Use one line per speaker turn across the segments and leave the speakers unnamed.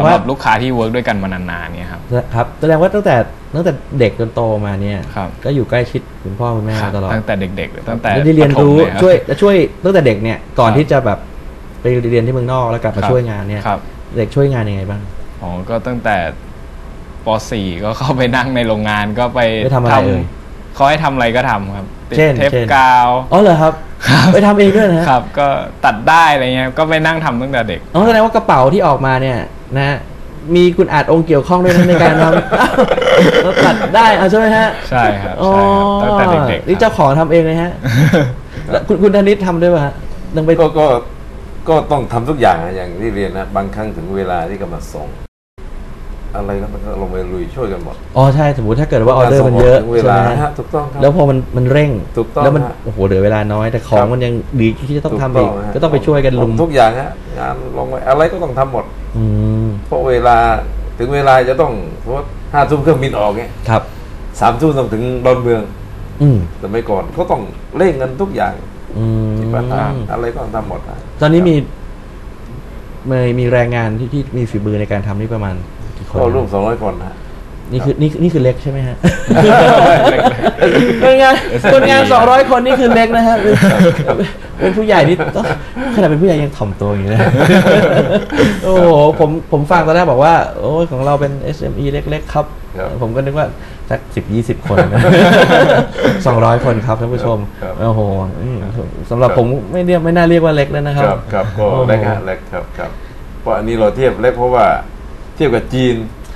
สำหรับลูกค้าที่เวิร์กด้วยกันมานานๆเนี่ยครับ
ครับแสดงว่าตั้งแต่เด็กจนโตมาเนี่ยก็อยู่ใกล้ชิดคุณพ่อคุณแม่ตลอด
ตั้งแต่เด็กๆตั้งแต่
ได้เรียนรู้ช่วยตั้งแต่เด็กเนี่ยก่อนที่จะแบบไปเรียนที่เมืองนอกแล้วกลับมาช่วยงานเนี่ยเด็กช่วยงานยังไงบ้าง
อ๋อก็ตั้งแต่ป .4 ก็เข้าไปนั่งในโรงงานก็ไป
ทำอะไร
เขาให้ทำอะไรก็ทำครับติดเทปกาว
อ๋อเหรอครับไปทำเองด้วย
นะครับก็ตัดได้อะไรเงี้ยก็ไปนั่งทำตั้งแต่เด็ก
อ๋อแสดงว่ากระเป๋าที่ออกมาเนี่ยนะมีคุณอาจองค์เกี่ยวข้องด้วยในการทำตัดได้ใช่ไหมฮะ
ใช่ครับตั้งแต่เด็ก
ๆนี่เจ้าของทำเองเลยฮะคุณธนิตทำด้วยป่ะ
ต้องไปก็ต้องทำทุกอย่างอย่างที่เรียนนะบางครั้งถึงเวลาที่กำลังส่งอะไรก็มันลงไปลุยช่วยกันหมด
อ๋อใช่สมมติถ้าเกิดว่าออเดอร์มันเยอะ
ใช่ไหมถูกต้องครับ
แล้วพอมันเร่ง
ถูกต้อง
แล้วมันโอ้โหเหลือเวลาน้อยแต่ของมันยังดีที่จะต้องทำอีกก็ต้องไปช่วยกันลุม
ทุกอย่างฮะงานลงไปอะไรก็ต้องทำหมดเพราะเวลาถึงเวลาจะต้องเพราะ5 ทุ่มเครื่องบินออกเนี่ย
ครับ
3 ทุ่มต้องถึงดอนเมืองแต่ไม่ก่อนก็ต้องเร่งกันทุกอย่างที่ประธานอะไรก็ต้องทำหมด
ตอนนี้มีแรงงานที่มีฝีมือในการทำนี่ประมาณ
ก็ร่วม200 คนฮะ
นี่คือเล็กใช่ไหมฮะคนงาน200 คนนี่คือเล็กนะฮะเป็นผู้ใหญ่นี่ขนาดเป็นผู้ใหญ่ยังถ่อมตัวอย่างนี้นะโอ้โหผมฟังตอนแรกบอกว่าโอ้ของเราเป็น SME เล็กๆครับผมก็นึกว่าสัก10-20 คน200 คนครับท่านผู้ชมโอ้โหสำหรับผมไม่น่าเรียกว่าเล็กแล้วนะครับ
ครับก็เล็กฮะเล็กครับเพราะอันนี้เราเทียบเล็กเพราะว่าเทียบกับจีน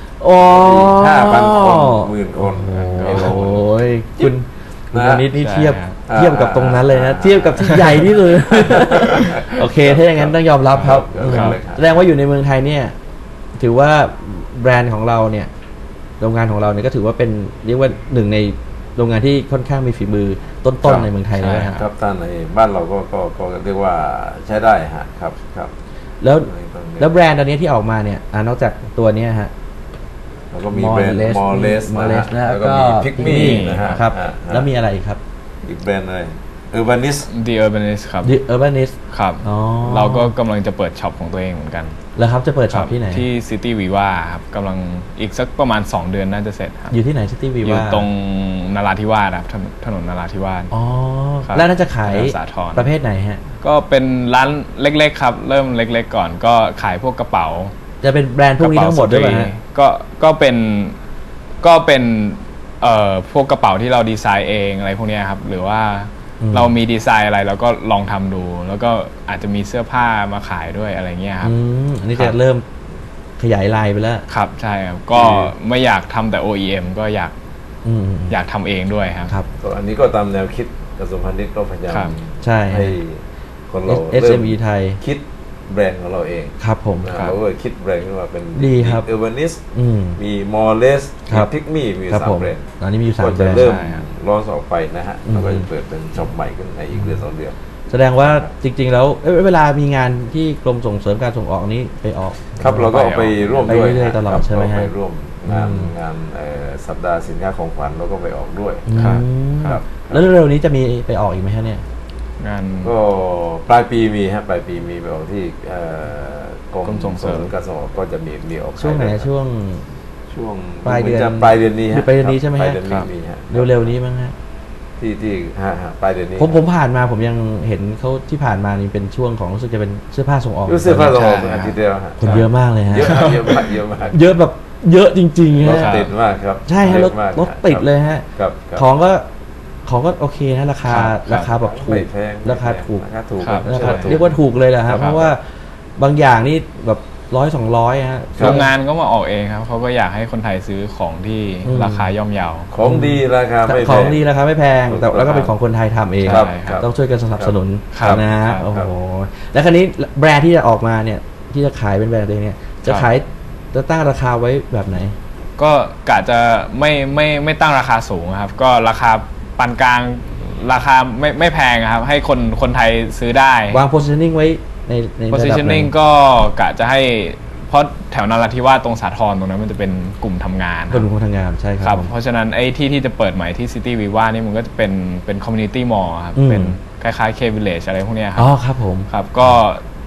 5,000 คน10,000 คน
โอ้ยคุณนิดนี่เทียบกับตรงนั้นเลยนะเทียบกับที่ใหญ่ที่สุดโอเคถ้าอย่างนั้นต้องยอมรับครับแสดงว่าอยู่ในเมืองไทยเนี่ยถือว่าแบรนด์ของเราเนี่ยโรงงานของเราเนี่ยก็ถือว่าเป็นเรียกว่าหนึ่งในโรงงานที่ค่อนข้างมีฝีมือต้นๆในเมืองไทยเลย
ครับท่านในบ้านเราก็เรียกว่าใช้ได้ฮะครับ
แล้วแบรนด์ตอนนี้ที่ออกมาเนี่ยนอกจากตัวนี้ฮะ
แล้วก็มีแบรนด์มอเลส
แล้วก็
มีพิกมี่นะฮะ
ครับแล้วมีอะไรครับ
อีกแบรนด์อะไรUrbanist
The Urbanist ครับ
The Urbanist
ครับเราก็กำลังจะเปิดช็อปของตัวเองเหมือนกัน
แล้วครับจะเปิดช็อปที่ไหน
ที่ City Viva ครับกำลังอีกสักประมาณ2 เดือนน่าจะเสร็จครับ
อยู่ที่ไหน City Viva
อยู่ตรงนราธิวาสครับถนนนราธิวาส
อ๋อแล้วน่าจะขายประเภทไหนฮะ
ก็เป็นร้านเล็กๆครับเริ่มเล็กๆก่อนก็ขายพวกกระเป๋า
จะเป็นแบรนด์พวกนี้ทั้งหมดด้วยไหม
ก็เป็นพวกกระเป๋าที่เราดีไซน์เองอะไรพวกนี้ครับหรือว่าเรามีดีไซน์อะไรเราก็ลองทำดูแล้วก็อาจจะมีเสื้อผ้ามาขายด้วยอะไรเงี้ยครับ
อันนี้จะเริ่มขยายลายไปแล้ว
ครับใช่ครับก็ไม่อยากทำแต่ OEM ก็อยากทำเองด้วยครับ
อันนี้ก็ตามแนวคิดกระทรวงพาณิชย์ก็พยายามให้คนเรา
SME ไทย
คิดแบรนด์ของเราเอง
ครับผม
เราก็คิดแบรนด์ขึ้นมาเป็น
ดีครับ
Urbanist มี Morales มี Pigme มี3 แบรนด์
ตอนนี้มี3 แบรนด์
เริ่มร้อนออกไปนะฮะแล้วก็จะเปิดเป็นช็อปใหม่ขึ้นในอีก1-2 เดือน
แสดงว่าจริงๆแล้วเวลามีงานที่กรมส่งเสริมการส่งออกนี้ไปออก
ครับเราก็ไปร่วมด้วย
ตลอดใช่ไหมฮะ
ไปร่วมงานสัปดาห์สินค้าของขวัญเราก็ไปออกด้วย
ครับแล้วเร็วๆนี้จะมีไปออกอีกไหมฮะเนี่ย
งานก็ปลายปีมีฮะปลายปีมีไปออกที่กรมส่งเสริมการส่งออกก็จะมีออก
ช่วงไหนช่วงปลายเดือน
นี้
ปลายเดือนนี้ใช่ไหมฮะเร็วๆนี้มั้งฮะ
ที่ปลายเดือนนี้
ผมผ่านมาผมยังเห็นเขาที่ผ่านมานี่เป็นช่วงของรู้สึกจะเป็นเสื้อผ้าส่งออก
เสื้อผ้าส่งออกอาทิตย์เดียวฮะ
คนเยอะมากเลยฮะ
เยอะมาก
เยอะแบบเยอะจริงๆฮะ
รถติดมากครับ
ใช่ฮะรถติดเลยฮะของก็โอเคนะราคาแบบถูกราคาถูกเรียกว่าถูกเลยแหละครับเพราะว่าบางอย่างนี่แบบ100-200ฮะ
โรงงานก็มาออกเองครับเขาก็อยากให้คนไทยซื้อของที่ราคาย่อมเยา
ของดีราคาไม่แพง
ของดีราคาไม่แพงแต่แล้วก็เป็นของคนไทยทำเองต้องช่วยกันสนับสนุนนะฮะโอ้โหแล้วคราวนี้แบรนด์ที่จะออกมาเนี่ยที่จะขายเป็นแบรนด์ตัวเนี่ยจะตั้งราคาไว้แบบไหน
ก็กะจะไม่ตั้งราคาสูงครับก็ราคาปานกลางราคาไม่แพงครับให้คนไทยซื้อได้
วาง positioning ไว้ใน
positioning ก็กะจะให้เพราะแถวนราธิวาสตรงสาทรตรงนั้นมันจะเป็นกลุ่มทำงาน
กลุ่มทำงานใช่ครับ
เพราะฉะนั้นไอ้ที่จะเปิดใหม่ที่ City Viva นี่มันก็จะเป็น community mall ครับเป็นคล้ายๆ K Village อะไรพวกนี้ครับ
อ๋อครับผม
ครับก็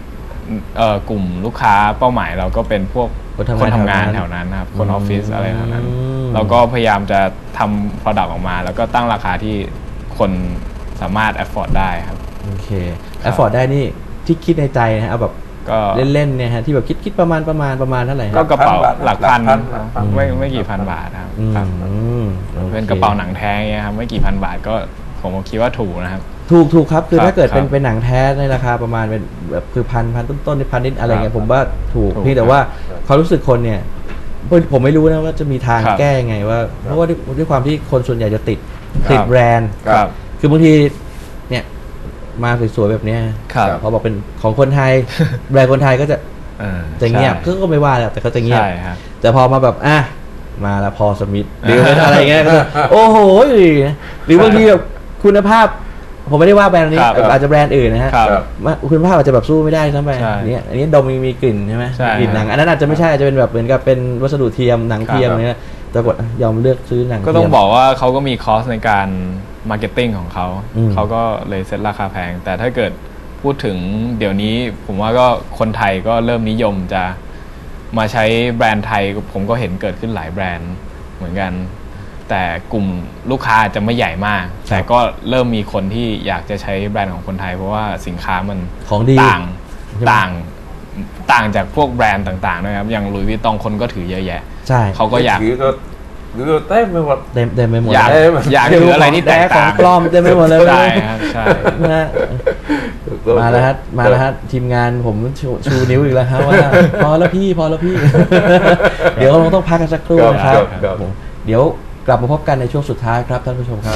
กลุ่มลูกค้าเป้าหมายเราก็เป็นพวก
คนทำงาน
แถวนั้นครับคนออฟฟิศอะไรแถวนั้น
อืม
เราก็พยายามจะทำ product ออกมา แล้วก็ตั้งราคาที่คนสามารถ afford ได้ครับ
โอเคแอฟฟอร์ดได้นี่ที่คิดในใจนะฮะเอาแบบ
ก็
เล่นๆเนี่ยฮะที่แบบคิดประมาณเท่าไหร่
ก็
ฮะ
กระเป๋าหลักพัน
หลักพัน
ไม่กี่พันบาทครับ
อืม
ครับ
โอค
เป็นกระเป๋าหนังแท้เงี้ยครับไม่กี่พันบาทก็ผมก็คิดว่าถูกนะครับ
ถูกครับคือ
ครับ
ถ้าเกิดเป็น
ครับ
เป็นหนังแท้ในราคาประมาณเป็นแบบคือพันต้นๆพันนิดอะไรเงี้ย
ครับ
ผมว่าถูก
ถูก
เพียงแต่ว่าความรู้สึกคนเนี่ยผมไม่รู้นะว่าจะมีทาง
ครับ
แก้ยังไงว่าเพราะว่าด้วยความที่คนส่วนใหญ่จะติด
ครับ
แบรนด์
ครับ
คือบางทีเนี่ยมาสวยๆแบบเนี้ย
ครับ
พอบอกเป็นของคนไทย แบรนด์คนไทยก็จะ จะเงียบ
ใช่
ก็ไม่ว่าแล้วแต่เขาจะเงียบ
ใช่ครับ
แต่พอมาแบบมาแล้วพอสมิธหรือเป็นอะไรเงี้ยก็จะโอ้โหหรือบางทีแบบคุณภาพ ผมไม่ได้ว่าแบรนด์นี้
ครับ
อาจจะแบรนด์อื่นนะฮะ
ครับ
คุณภาพอาจจะแบบสู้ไม่ได้ทั้งไป
ใช่
เนี่ยอันนี้ดมมีกลิ่นใช่ไหม
ใช่
กลิ่นหนังอันนั้นอาจจะไม่ใช่อาจจะเป็นแบบเหมือนกับเป็นวัสดุเทียมหนังเทียม
ครับ
เนี่ยแต่กดยอมเลือกซื้อหนัง
ก็ต้อง
เทียม
บอกว่าเขาก็มีคอสในการมาร์เก็ตติ้งของเขา
อืม
เขาก็เลยเซ็ตราคาแพง แต่ถ้าเกิดพูดถึงเดี๋ยวนี้ผมว่าก็คนไทยก็เริ่มนิยมจะมาใช้แบรนด์ไทย ผมก็เห็นเกิดขึ้นหลายแบรนด์เหมือนกัน แต่กลุ่มลูกค้าอาจจะไม่ใหญ่มาก แต่ก็เริ่มมีคนที่อยากจะใช้แบรนด์ของคนไทย เพราะว่าสินค้ามัน
ของดี
ต่าง
ใช่ไหม
ต่างจากพวกแบรนด์ต่างๆนะครับอย่างหลุยส์วิตตองคนก็ถือเยอะแยะ
ใช่
เขาก็อยาก
หรือก็เต้ไปหมด
เต็มไปหมด
อยาก
เอ้ย
อยากถืออะไรที่แตก
ขอ
ต่าง ง
ปลอมเต็มไปหมดเลย
ใช่ครับใช่
นะฮะ มาแล้วฮะทีมงานผมชูนิ้วอีกแล้วฮะว่า พอแล้วพี่ เดี๋ยวเราต้องพักกันสักครู่นะครับ
ครับ
ผมเดี๋ยวกลับมาพบกันในช่วงสุดท้ายครับท่านผู้ชมครับ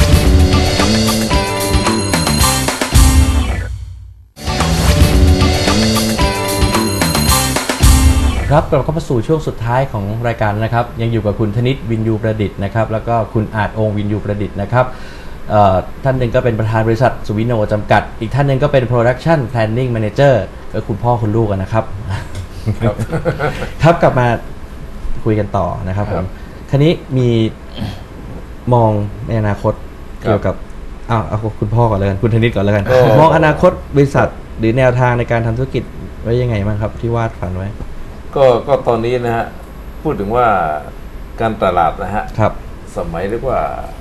ครับกลับเข้ามาสู่ช่วงสุดท้ายของรายการนะครับ ยังอยู่กับคุณธนิตวินยูประดิษฐ์นะครับแล้วก็คุณอาจองค์วินยูประดิษฐ์นะครับท่านหนึ่งก็เป็นประธานบริษัทสุวิโนจำกัด อีกท่านหนึ่งก็เป็น Production Planning Manager ก็คุณพ่อคุณลูกกันนะครับ ครับกลับมาคุยกันต่อนะครับผมคันนี้มีมองในอนาคตเกี่ยวกับเอาคุณพ่อก่อนเลยกันคุณธนิตก่อนเลยกันมองอนาคตบริษัทหรือแนวทางในการทำธุรกิจไว้ยังไงบ้างครับที่วาดฝันไว้
ก็ตอนนี้นะฮะพูดถึงว่าการตลาดนะฮะ
ครับ
สมัยเรียกว่า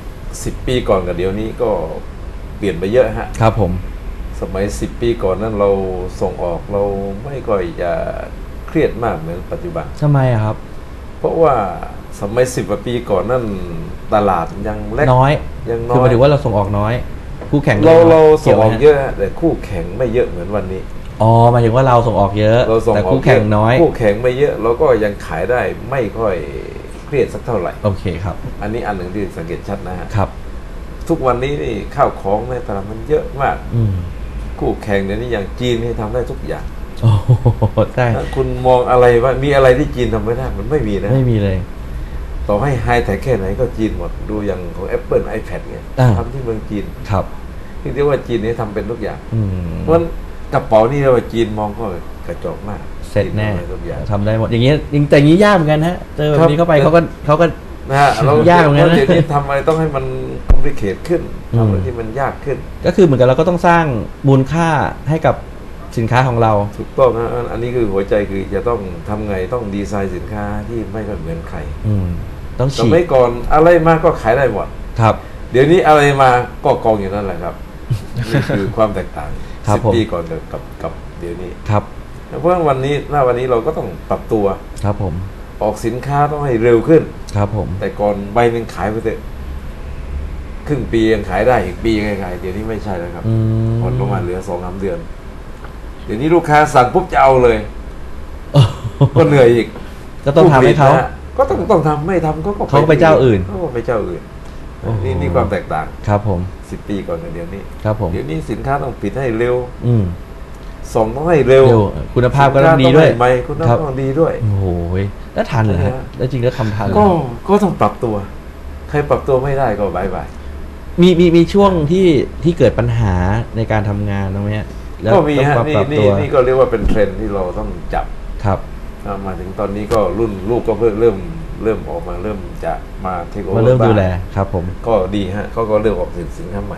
10 ปีก่อนกับเดี๋ยวนี้ก็เปลี่ยนไปเยอะฮะ
ครับผม
สมัย10 ปีก่อนนั้นเราส่งออกเราไม่ค่อยจะเครียดมากเหมือนปัจจุบัน
ทำไมอะครับ
เพราะว่าสมัย10 กว่าปีก่อนนั้นตลาดยังเล็ก
น้อย
ยังน้
คือห
อ
มาย ยถึงว่าเราส่งออกน้อย คู่แข่ง
เราส่งออก
กี่วไหม
เยอะฮะแต่คู่แข่งไม่เยอะเหมือนวันนี้
อ๋อหมายถึงว่าเราส่งออกเยอะ
เราส่ง
แต่
ออก
คู่แข่งน้อย
คู่แข่งไม่เยอะเราก็ยังขายได้ไม่ค่อยเครียดสักเท่าไหร่
โอเคครับ
อันนี้อันหนึ่งที่สังเกตชัดนะฮะ
ครับ
ทุกวันนี้นี่ข้าวของในตลาดมันเยอะมาก
อืม
คู่แข่งเดี๋ยวนี้อย่างจีนนี่ทำได้ทุกอย่าง
โอ้โหใช่
ถ้าคุณมองอะไรว่ามีอะไรที่จีนทำไม่ได้มันไม่มีนะ
ไม่มีเลย
ต่อให้ไฮแต่แค่ไหนก็จีนหมดดูอย่างของ Apple iPad เนี่ย
อ่า
ทำที่เมืองจีน
ครับ
ที่เรียกว่าจีนนี่ทำเป็นทุกอย่าง
อืม
เพราะฉะนั้นกระเป๋านี่เราจีนมองก็กระจอกมาก
เสร็จแน่
จีทำได้ทุกอย่าง
ทำได้หมดอย่างเงี้ยแต่อย่างงี้ยากเหมือนกันฮะเจอแบบนี้เข้าไป
ครับ
เขาก็
นะฮะเรา
ยากเหมือนกันนะ
เดี๋ยวนี้ทำอะไรต้องให้มันคอมพลีเคทขึ้น
อืม
ทำอะไรที่มันยากขึ้น
ก็คือเหมือนกับเราก็ต้องสร้างมูลค่าให้กับสินค้าของเรา
ถูกต้องนะอันนี้คือหัวใจคือจะต้องทำไงต้องดีไซน์สินค้าที่ไม่ค่อยเหมือนใคร
อืมต้อง
ส
ฉี
มัย
ก
ก่อนอะไรมาก็ขายได้หมด
ครับ
เดี๋ยวนี้อะไรมาก็กองอยู่นั่นแหละครับนี่คือความแตกต่าง
ครับผม
10 ปีก่อนกับเดี๋ยวนี้
ครับ
เพราะว่าวันนี้เราก็ต้องปรับตัว
ครับผม
ออกสินค้าต้องให้เร็วขึ้น
ครับผม
แต่ก่อนใบหนึ่งขายไปเถอะครึ่งปียังขายได้อีกปียังขายเดี๋ยวนี้ไม่ใช่แล้วครับ
อืม
ผ่อนลงมาเหลือ2-3 เดือน เดี๋ยวนี้ลูกค้าสั่งปุ๊บจะเอาเลย ก็เหนื่อยอีก
ก็ต้องทำให้เขา
ผู้ผลิตนะฮะก็ต้องทำไม่ทำก็
เขาไปเจ้าอื่น
เขาก็ไปเจ้าอื่น
โอ้โห
นี่ความแตกต่าง
ครับผม
10 ปีก่อนกับเดี๋ยวนี้
ครับผม
เดี๋ยวนี้สินค้าต้องปิดให้เร็ว
อืม
ส่งต้องให้เร็ว
เร็วคุณภาพก็ต้องดีด้วย
สินค้าต้องให้ใหม่คุณภาพต้องดีด้วย
โอ้โหแล้วทันเหรอฮะ
นะฮะ
แล้วจริงแล้วทำทันเหรอ
ก็ต้องปรับตัว ใครปรับตัวไม่ได้ก็บายบาย
มีช่วงที่เกิดปัญหาในการทำงานตรงนี้ยแล้ว
ก็มี
ต้อง
ฮะ
ปรับ
นี่
ปรับ
นี่
ตัว
นี่ก็เรียกว่าเป็นเทรนด์ที่เราต้องจับ
ครับ
มาถึงตอนนี้ก็รุ่นลูกก็เพิ่งเริ่มออกมาเริ่มจะมาเทคโอเวอ
มา
ร์
เริ่มดูแลครับผม
ก็ดีฮะเขาก็เริ่มออกสินค้าใหม่
อ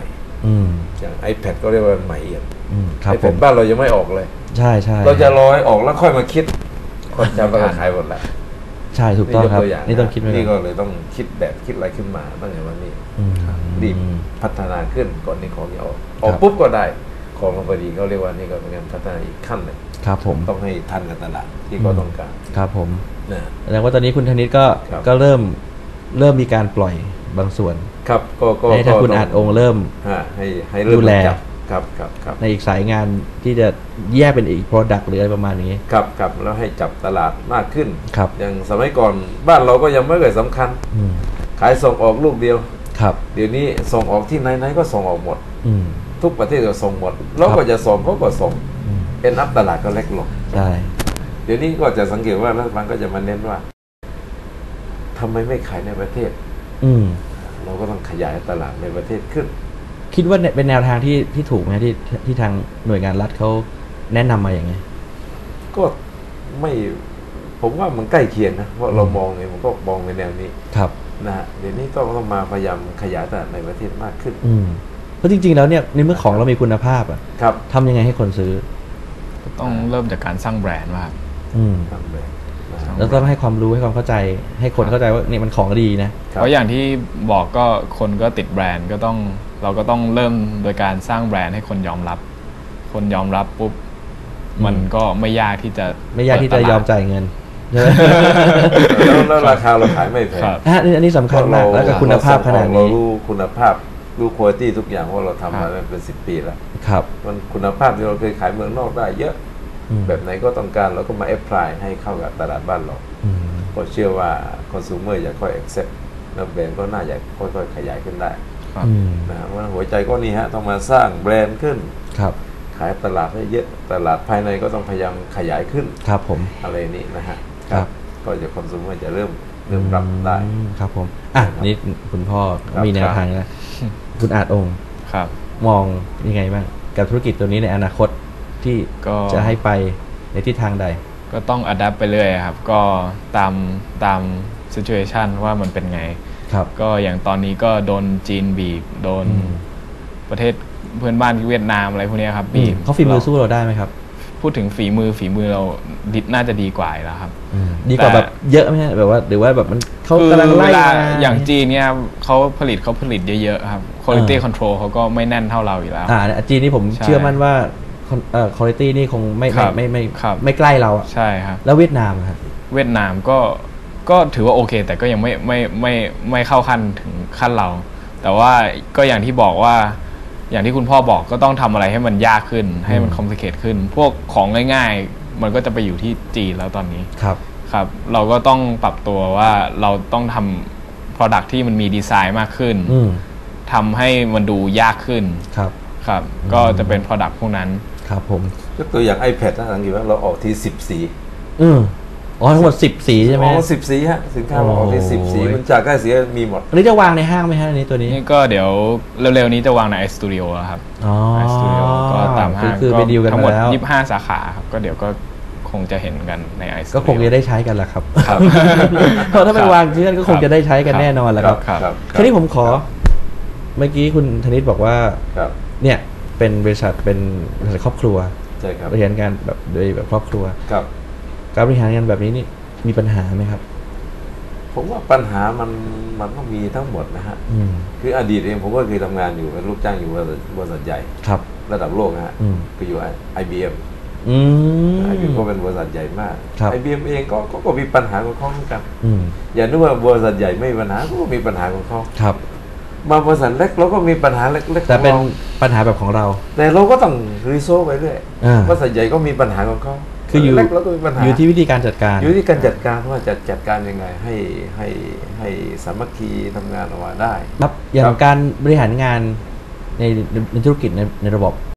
อย่าง iPad ก็เรียกว่าใหม่เอี่ยม
ครับผม
iPad บ้านเรายังไม่ออกเลย
ใช่ใช่
เราจะรอให้ออกแล้วค่อยมาคิดคนจำก็ขายหมดแล้ว
ใช่ถูกต้องครับ
นี่ยกตัวย่า
นี่ต้องคิดไว้
นี่ก็เลยต้องคิดแบบคิดอะไรขึ้นมาตั้งแต่วันนี้รีบพัฒนาขึ้นก่อนนี้ของจะออกปุ๊บก็ได้ของมาพอดีเขาเรียกว่านี่ก็เป็นการพัฒนาอีกขั้นหนึ่ง
ครับผม
ต้องให้ทันกับตลาดที่เขาต้องการ
ครับผม
นะ
แสดงว่าตอนนี้คุณธนิตก็
ครับ
ก็เริ่มมีการปล่อยบางส่วน
ครับก็
ให้ทางคุณอาจองค์เริ่ม
ให้เริ่ม
ดูแล
จับครับ
ในอีกสายงานที่จะแยกเป็นอีก Product หรืออะไรประมาณนี้
ครับแล้วให้จับตลาดมากขึ้น
ครับ
อย่างสมัยก่อนบ้านเราก็ยังไม่เคยสำคัญ
อืม
ขายส่งออกลูกเดียว
ครับ
เดี๋ยวนี้ส่งออกที่ไหนๆก็ส่งออกหมด
อืม
ทุกประเทศก็ส่งหมดเราก็จะส่งเขาก็ส่ง
อืม
เอ็นอัพตลาดก็เล็กลง
ใช่
เดี๋ยวนี้ก็จะสังเกตว่ารัฐบาลก็จะมาเน้นว่าทำไมไม่ขายในประเทศ
อืม
เราก็ต้องขยายตลาดในประเทศขึ้น
คิดว่าเนี่ยเป็นแนวทางที่ถูกไหมที่ทางหน่วยงานรัฐเขาแนะนำมาอย่างไง
ก็ไม่ผมว่ามันใกล้เคียงนะเพราะเรามองเนี่ยผมก็มองในแนวนี้
ครับ
นะฮะเดี๋ยวนี้ต้องมาพยายามขยายตลาดในประเทศมากขึ้น
อืมเพราะจริงๆแล้วเนี่ยในเมื่อของเรามีคุณภาพอ่ะ
ครับ
ทำยังไงให้คนซื้อ
ต้องเริ่มจากการสร้างแบรนด์ว่า
อืม
ทำแบบนะฮะ
แล้วต้องให้ความรู้ให้ความเข้าใจ ให้คนเข้าใจว่าเนี่ยมันของดีนะ
ครับ
เพราะอย่างที่บอกก็คนก็ติดแบรนด์ก็ต้องเราก็ต้องเริ่มโดยการสร้างแบรนด์ให้คนยอมรับ คนยอมรับปุ๊บมันก็ไม่ยากที่จะ
ไม่ยากที่จะยอมจ่ายเงินใช่ไหม
แล้วราคาเราขายไม่แพง
ครับ
อันนี้สำคัญมากแล้วก็คุณภาพขนาด
เรา
นี้
รู้คุณภาพรู้คุณภาพทุกอย่างว่าเราทำมาเป็น10 ปีแล้ว
ครับ
มันคุณภาพที่เราเคยขายเมืองนอกได้เยอะ
อืม
แบบไหนก็ต้องการเราก็มาแอพพลายให้เข้ากับตลาดบ้านเรา
อืม
ก็เชื่อว่าคอน sumer จะค่อย accept แล้วแบรนด์ก็น่าจะค่อยๆขยายขึ้นได้
ครับ
อืม
นะเพราะฉะนั้นหัวใจก็นี่ฮะต้องมาสร้างแบรนด์ขึ้น
ครับ
ขายตลาดให้เยอะตลาดภายในก็ต้องพยายามขยายขึ้น
ครับผม
อะไรนี้นะฮะ
ครับ
ก็จะคอน sumer จะเริ่มรับได้
ครับผมอ่ะนี่คุณพ่อ
ครับ
มีแนวทางแล้วคุณอาจองค์
ครับ
มองยังไงบ้างกับธุรกิจตัวนี้ในอนาคตที่
ก็
จะให้ไปในทิศทางใด
ก็ต้องอัดแอปไปเรื่อยครับ ก็ตาม situation ว่ามันเป็นไง
ครับ
ก็อย่างตอนนี้ก็โดนจีนบีบโดน
อืม
ประเทศเพื่อนบ้านที่เวียดนามอะไรพวกเนี้ยครับบีบ
เขาฝีมือสู้เราได้ไหมครับ
พูดถึงฝีมือเราน่าจะดีกว่าอยู่แล้วครับ
ดีกว่าแบบเยอะไหมฮะแบบว่าหรือว่าแบบมันเขา
คือก
ำลังไล่
เวลา
มา
อย่างจีนเนี่ยเขาผลิตเยอะๆครับ quality control เขาก็ไม่แน่นเท่าเราอยู่แล้ว
จีนนี่ผม
ใช่
เชื่อมั่นว่าคุณภาพนี่คงไม่
ครับ
ไม่ไม่ใกล้เราอะ
ใช่ครับ
แล้วเวียดนามอะครับ
เวียดนามก็ถือว่าโอเค แต่ก็ยังไม่เข้าขั้นถึงขั้นเรา แต่ว่าก็อย่างที่บอกว่า อย่างที่คุณพ่อบอกก็ต้องทำอะไรให้มันยากขึ้น ให้มันคอมพลีเคทขึ้น พวกของง่ายๆ มันก็จะไปอยู่ที่จีนแล้วตอนนี้
ครับ
ครับ เราก็ต้องปรับตัวว่าเราต้องทำ Product ที่มันมีดีไซน์มากขึ้น
อืม
ทำให้มันดูยากขึ้น
ครับ
ครับ ก็จะเป็น Product พวกนั้น
ครับผม
ยกตัวอย่าง iPad นะสังเกตว่าเราออกที่10 สี
อืมอ๋อทั้งหมด10 สีใช่ไหม
อ๋อ10 สีฮะสินค้าเราออกที่10 สี
โอ้ย
มันจากได้สีมีหมด
อันนี้จะวางในห้างไหมฮะอันนี้ตัวนี้
นี่ก็เดี๋ยวเร็วๆนี้จะวางใน iStudio แล้วครับ
อ๋อ
iStudio ก็ตามห้าง
คือไปดีลกัน
ทั้งหม
มา
ด
แล้ว
25 สาขาครับ ก็เดี๋ยวก็คงจะเห็นกันใน iStudio
ก็คงจะได้ใช้กันแหละครับ
ครับ
เพราะถ้าไปวางที่นั่นก็คงจะได้ใช้กันแน่นอนแหละครับ
ครับ
ทีนี้ผมขอ เมื่อกี้คุณธนิตบอกว่า
ครับ
เนี่ยเป็นบริษัทครอบครัว
ใช่ครับ
บริหารงานแบบโดยแบบครอบครัว
ครับ
การบริหารงานแบบนี้นี่มีปัญหาไหมครับ
ผมว่าปัญหามันต้องมีทั้งหมดนะฮะ
อืม
คืออดีตเองผมก็เคยทำงานอยู่เป็นลูกจ้างอยู่บริษัทใหญ่
ครับ
ระดับโลกนะฮะ
อืม
ก็อยู่ IBM
อืม
IBM ก็เป็นบริษัทใหญ่มาก
ครับ
IBM เองก็มีปัญหาของเขาเหมือนกัน
อืม
อย่านึกว่าบริษัทใหญ่ไม่มีปัญหาก็มีปัญหาของเขา
ครับ
บางบริษัทเล็กเราก็มีปัญหาเล็กๆ
แต่
ของ
เป็น
เรา
ปัญหาแบบของเรา
แต่เราก็ต้องรีโซลไปเรื่อย
อ่า
บริษัทใหญ่ก็มีปัญหาของเขา
คืออยู่
เล็กเราก็มีปัญหา
อยู่ที่วิธีการจัดการ
อยู่ที่การจัดการว่าจะจัดการยังไงให้สามัคคีทำงานออกมาได้
ครับอย่าง
ครับ
การบริหารงานในธุรกิจในระบบ